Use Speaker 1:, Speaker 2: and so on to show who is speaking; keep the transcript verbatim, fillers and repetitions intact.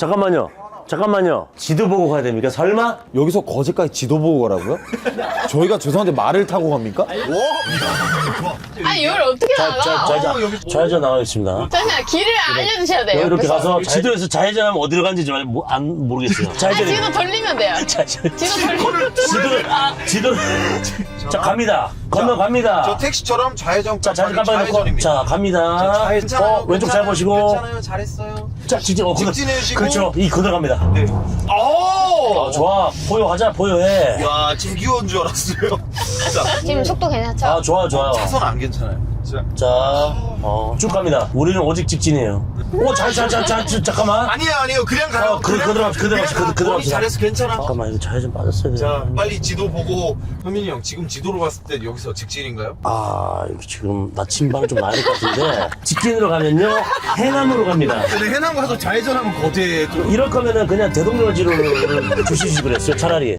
Speaker 1: 잠깐만요. 잠깐만요. 지도 보고 가야 됩니까? 설마?
Speaker 2: 여기서 거제까지 지도 보고 가라고요? 저희가 죄송한데 말을 타고 갑니까?
Speaker 3: 아니 여기 어떻게
Speaker 1: 자,
Speaker 3: 나가?
Speaker 1: 자, 좌회전, 좌회전 나가겠습니다.
Speaker 3: 잠시만 길을 알려주셔야 돼요.
Speaker 1: 이렇게
Speaker 3: 그래서.
Speaker 1: 가서 지도에서 좌회전하면 어디로 가는지 좀 모- 안 모르겠어요.
Speaker 3: 아
Speaker 1: 좌회전이.
Speaker 3: 지도 돌리면 돼요.
Speaker 1: 좌회전.
Speaker 3: 지도 돌리면
Speaker 1: 지도, 지도. 자, 갑니다. 건너갑니다.
Speaker 4: 저 택시처럼 좌회전.
Speaker 1: 자, 좌회전 깜빡이 놓고.
Speaker 4: 좌회전입니다.
Speaker 1: 자, 갑니다.
Speaker 4: 괜찮아요.
Speaker 1: 어, 왼쪽 잘
Speaker 4: 괜찮아요.
Speaker 1: 보시고.
Speaker 4: 괜찮아요. 잘했어요.
Speaker 1: 자, 직진, 어, 그대로.
Speaker 4: 직진해주시고.
Speaker 1: 그렇죠. 이, 그대로 갑니다.
Speaker 4: 네. 오!
Speaker 1: 아, 좋아. 포효하자, 포효해.
Speaker 4: 야, 지금 귀여운 줄 알았어요. 자,
Speaker 3: 지금 속도 괜찮죠?
Speaker 1: 아, 좋아, 좋아요.
Speaker 4: 차선 안 괜찮아요. 자.
Speaker 1: 자, 어, 쭉 갑니다. 우리는 오직 직진이에요. 오, 잘, 잘, 잘, 잘, 잘, 잠깐만.
Speaker 4: 아니에요, 아니에요. 그냥 가요.
Speaker 1: 어, 그-
Speaker 4: 그냥
Speaker 1: 그대로
Speaker 4: 가.
Speaker 1: 갑시다, 그대로 갑시다,
Speaker 4: 그냥 가.
Speaker 1: 그대로
Speaker 4: 거의
Speaker 1: 갑시다.
Speaker 4: 잘했어, 괜찮아.
Speaker 1: 잠깐만, 이거 좌회전 빠졌어야 돼.
Speaker 4: 자, 빨리 지도 보고. 현민이 형, 지금 지도로 봤을 때 여기서 직진인가요?
Speaker 1: 아, 이거 지금 나침반 좀 나야 될 것 같은데. 직진으로 가면요, 해남으로 갑니다.
Speaker 4: 근데 해남 가서 좌회전하면 거제 좀.
Speaker 1: 이럴 거면은 그냥 대동로지로 주시지 그랬어요, 차라리.